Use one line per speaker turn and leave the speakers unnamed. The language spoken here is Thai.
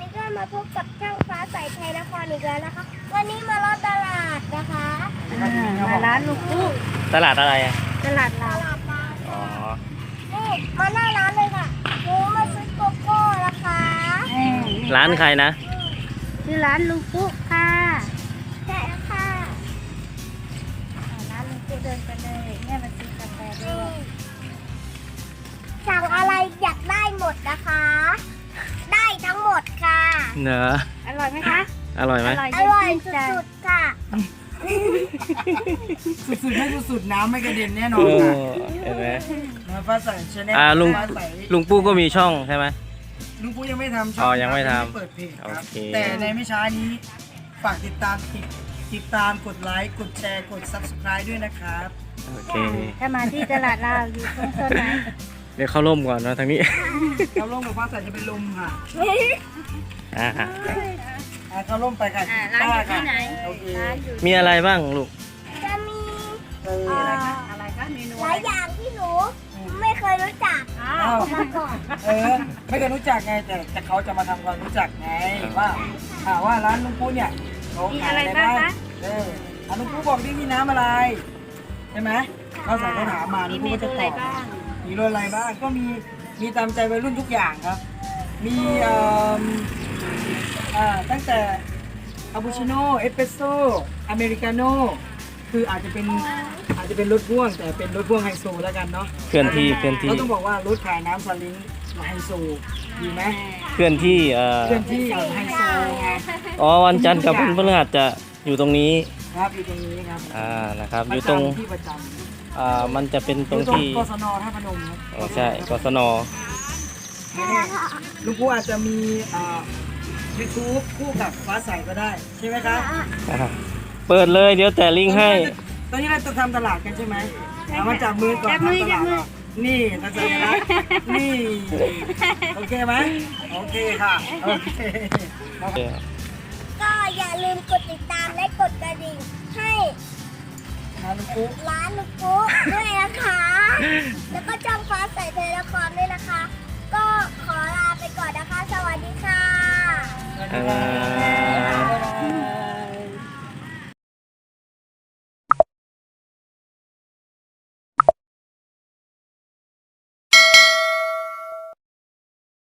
ก็มาพบกับช่างฟ้าใสไทยนครอีกแล้วนะคะ วันนี้มาลอดตลาดนะคะ
มาร้านลูกปุ๊ก
ตลาดอะไรอ่ะ
ตลาด
ต
เรา
ลาดมา
อ๋อ
นี่มาหน้าร้านเลยค่ะหนูมาซื้อโกโก้นะคะ
ร้านใครนะ
ชื่อร้านลูกปุ๊กค่ะ
ใช่แล้วค่ะ
ร้านลูกปุ๊กเดินไปเลยแม่มาซื้อกาแฟด้วย
สั่งอะไรอยากได้หมดนะคะ ได้ทั้งหมดค่ะ
เนอะ
อร่อยไหมคะ
อร่อยไหม
อร่อยสุดๆค่ะ
สุดๆไม่สุดๆน้ำไม่กระเด็นแน่นอ
โอ้
นค่ะ
เห็นไหม
มาฟ้าใสชาแนล
ลุง
ฟ้าใส
ลุงปู้ก็มีช่องใช่ไหม
ลุงปูยังไม่ทำช่
อ๋อยังไม่ทำ
ยังเปิดเพจครับ
โอเค
แต่ในไม่ช้านี้ฝากติดตามกดไลค์กดแชร์กด subscribe ด้วยนะครับ
โอเค
ถ้ามาที่ตลาดเราอยู่ตรงโซนไหน
เดี๋ยวเข้าร่มก่อนนะทางนี้
เข้าร่มกับฟ้าใสจะเป็นลมค่ะ
อ่า
เข้าร่มไปค่ะ
ร้านอยู่ที่ไหน
โอเค
ร้านอยู่
มีอะไรบ้างลูก
จะมี
อะไรคะอะไรคะเมนู
หลายอย่างที่หนูไม่เคยรู้จัก
อ้าวมาก่อน
ไม่เคยรู้จักไงแต่เขาจะมาทำความรู้จักไงว่าร้านลุงปูเนี่ยเขาขายอะไรบ้างลุงปูบอกดิมีน้ำอะไรใช่ไหมเขาใส่เขาถามมาลุงปูก็จะตอบมีรสอะไรบ้างก็มีตามใจวัยรุ่นทุกอย่างครับ มีตั้งแต่คาปูชิโน่เอสเปรสโซ่อเมริกาโน่คืออาจจะเป็นรถพ่วงแต่เป็นรถพ่วงไฮโซแล้วกันเนาะ
เคลื่อนที่เคลื่อนที่
เราต้องบอกว่ารถขายน้ำสลิงไฮโซดีไหม
เคลื่อนที่
เคลื่อนที่ไฮโซไง
อ๋อวันจันทร์กับวันพฤหัสจะอยู่ตรงนี้
ครับอยู่ตรงนี้ครับ
นะครับอยู่ตรง
ที่ประจำ
มันจะเป็น
อ
ตรง
ยู่ตรง
ที่
กศนท่าพนมครับ
อ๋อใช่กศน
ไม่แน่ลุงปูอาจจะมีYouTube คู่กับฟ้าใสก็ได้ใช่ไหมครับ
เปิดเลยเดี๋ยวแต่ลิงก์ให้
ตอนนี้เราจะทำตลาดกันใช่ไหมมาจับมือก่อน
จับมือ
ทำต
จั
ลา
บ
ด
มือ
ก่อนนี่ทัศนีรัตน์นี่โอเคไหมโอเคค่ะโอเค
ก็อย่าลืมกดติดตามและกดกระดิ่งให้
นะลุงปู
ร้านลูกปุ๊กด้วยนะคะ แล้วก็ช่างฟ้าใสไทยนครด้วยนะคะ ก็ขอลาไปก่อนนะคะ สวัสดีค่ะ
สวัสดีครับ